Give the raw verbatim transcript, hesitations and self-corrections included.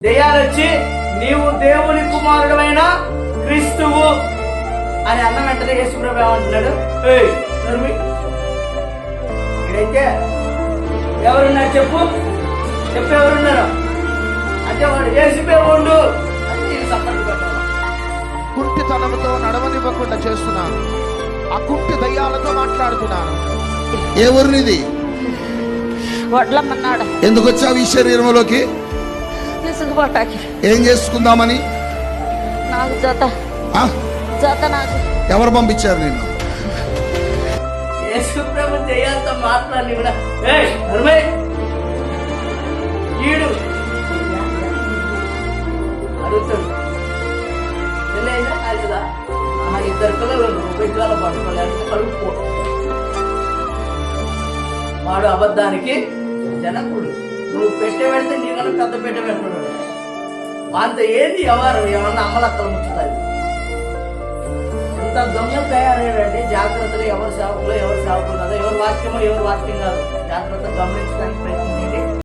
దెయ్యాలొచ్చి నీవు దేవుని కుమారుడైన క్రీస్తువు అని అన్న వెంటనే యేసుప్రభు ఏమంటున్నాడు, ఇక్కడైతే ఎవరున్నారు చెప్పు చెప్పు ఎవరున్నారు అంటే వాడు యేసుపే ఉండు అని సపోర్ట్ పెట్టాలి. కుంటితనంతో నడవనివ్వకుండా చేస్తున్నాను, ఆ కుంటి దయ్యాలతో మాట్లాడుతున్నాను. ఏ ఊరినిది? వడ్లమ్మన్నాడు. ఎందుకు వచ్చావు ఈ శరీరంలోకి? తీసుకుపోటాకి. ఏం చేసుకుందామని? నాకు జత జత నాకు. ఎవరు పంపించారు నిన్ను? యేసుప్రభు దెయ్యాలతో మాట్లాడి కూడా ఈడు అడుగుతాడు, పెళ్ళైందా కాలేదా? ఇద్దరు పిల్లలు ఉపయోగాలు పట్టుకోలేదంటే కలుపుకో. వాడు అబద్ధానికి జనకుడు. నువ్వు పెట్టే పెడితే నీకన్నా పెద్ద పెట్ట పెట్టుకున్నాడు. వాళ్ళతో ఏంది ఎవరు ఏమన్నా అమ్మలక్కలు ముచ్చుతాయి. ఇంత దొంగలు తయారయ్యాడంటే జాగ్రత్తగా ఎవరు సేవకులు ఎవరు సేవకులు కాదు, ఎవరు వాక్యమో ఎవరు వాక్యం కాదు జాగ్రత్తగా గమనించడానికి ప్రయత్నం